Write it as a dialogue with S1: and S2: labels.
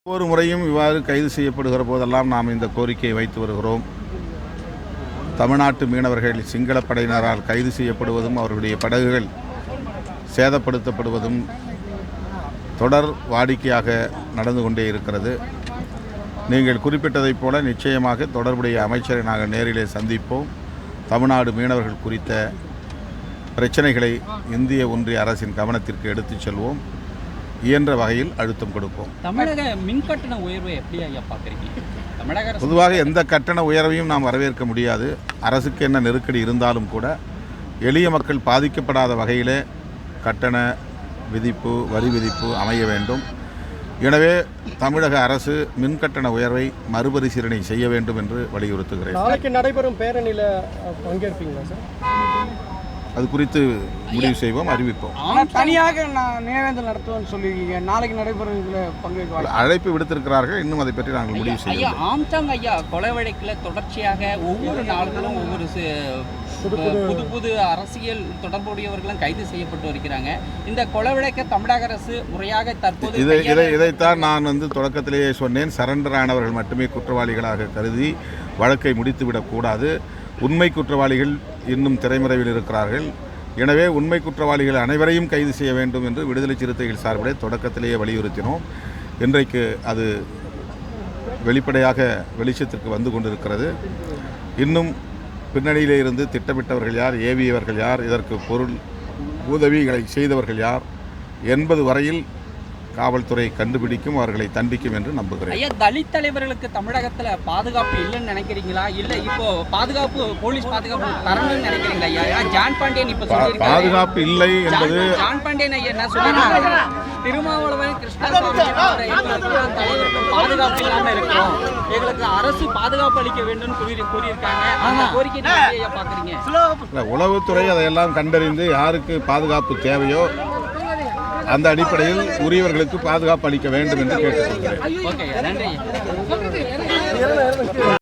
S1: ஒவ்வொரு முறையும் இவ்வாறு கைது செய்யப்படுகிற போதெல்லாம் நாம் இந்த கோரிக்கையை வைத்து வருகிறோம். தமிழ்நாட்டு மீனவர்கள் சிங்கள படையினரால் கைது செய்யப்படுவதும் அவர்களுடைய படகுகள் சேதப்படுத்தப்படுவதும் தொடர் வாடிக்கையாக நடந்து கொண்டே இருக்கிறது. நீங்கள் குறிப்பிட்டதைப் போல நிச்சயமாக தொடர்புடைய அமைச்சரை நாங்கள் நேரிலே சந்திப்போம். தமிழ்நாடு மீனவர்கள் குறித்த பிரச்சனைகளை இந்திய ஒன்றிய அரசின் கவனத்திற்கு எடுத்துச் செல்வோம். இயன்ற வகையில் அழுத்தம் கொடுப்போம்.
S2: தமிழக மின் கட்டண உயர்வை எப்படி ஐயா பார்க்குறீங்க? தமிழக அரசு
S1: பொதுவாக எந்த கட்டண உயர்வையும் நாம் வரவேற்க முடியாது. அரசுக்கு என்ன நெருக்கடி இருந்தாலும் கூட எளிய மக்கள் பாதிக்கப்படாத வகையிலே கட்டண விதிப்பு வரி விதிப்பு அமைய வேண்டும். எனவே தமிழக அரசு மின் கட்டண உயர்வை மறுபரிசீலனை செய்ய வேண்டும் என்று வலியுறுத்துகிறேன்.
S3: நாளைக்கு நடைபெறும் பேரணியில் பங்கேற்பீங்களா சார்?
S1: அது குறித்து முடிவு செய்வோம், அறிவிப்போம்.
S3: தனியாக நினைவேந்தல் நடத்துவோம்னு சொல்லியிருக்கீங்க. நாளைக்கு நடைபெறும் இதில் பங்கேற்க
S1: அழைப்பு விடுத்திருக்கிறார்கள். இன்னும் அதை பற்றி நாங்கள் முடிவு
S2: ஐயா
S1: செய்வோம்.
S2: ஆம்சாங் ஐயா கொலை வழக்கில் தொடர்ச்சியாக ஒவ்வொரு நாள்களும் ஒவ்வொரு புது புது அரசியல் தொடர்புடையவர்களும் கைது செய்யப்பட்டு வருகிறாங்க. இந்த கொலை வழக்கை தமிழக அரசு முறையாக தற்போது
S1: இதைத்தான் நான் தொடக்கத்திலேயே சொன்னேன். சரண்டர் ஆனவர்கள் மட்டுமே குற்றவாளிகளாக கருதி வழக்கை முடித்துவிடக்கூடாது. உண்மை குற்றவாளிகள் இன்னும் திரைமறைவில் இருக்கிறார்கள். எனவே உண்மை குற்றவாளிகள் அனைவரையும் கைது செய்ய வேண்டும் என்று விடுதலை சிறுத்தைகள் சார்பிலே தொடக்கத்திலேயே வலியுறுத்தினோம். இன்றைக்கு அது வெளிப்படையாக வெளிச்சத்திற்கு வந்து கொண்டிருக்கிறது. இன்னும் பின்னணியிலே இருந்து திட்டமிட்டவர்கள் யார், ஏவியவர்கள் யார், இதற்கு பொருள் உதவிகளை செய்தவர்கள் யார் என்பது வரையில் காவல்துறை கண்டுபிடிக்கும், அவர்களை தண்டிக்கும் என்று நம்புகிறேன்.
S2: ஐயா, தலித் தலைவர்களுக்கு தமிழகத்தில் பாதுகாப்பு இல்லைன்னு நினைக்கிறீங்களா? இல்லை இப்போ பாதுகாப்பு போலீஸ் பாதுகாப்பு தரணும்னு நினைக்கிறீங்களா? ஐயா ஜான் பாண்டியன் இப்போ
S1: பாதுகாப்பு இல்லை என்பது
S2: ஜான் பாண்டியன் ஐயா என்ன சொல்லியிருக்காங்க? திருமாவளவன் கிருஷ்ணசாமி தலைவர்கள் பாதுகாப்பு இல்லாமல் இருக்கிறோம், எங்களுக்கு அரசு பாதுகாப்பு அளிக்க வேண்டும் கூறியிருக்காங்க. அந்த கோரிக்கை ஐயா பார்க்குறீங்க?
S1: உளவுத்துறை அதையெல்லாம் கண்டறிந்து யாருக்கு பாதுகாப்பு தேவையோ அந்த அடிப்படையில் உரியவர்களுக்கு பாதுகாப்பு அளிக்க வேண்டும் என்று கேட்டுக்கொள்கிறேன்.
S2: ஓகே, நன்றி.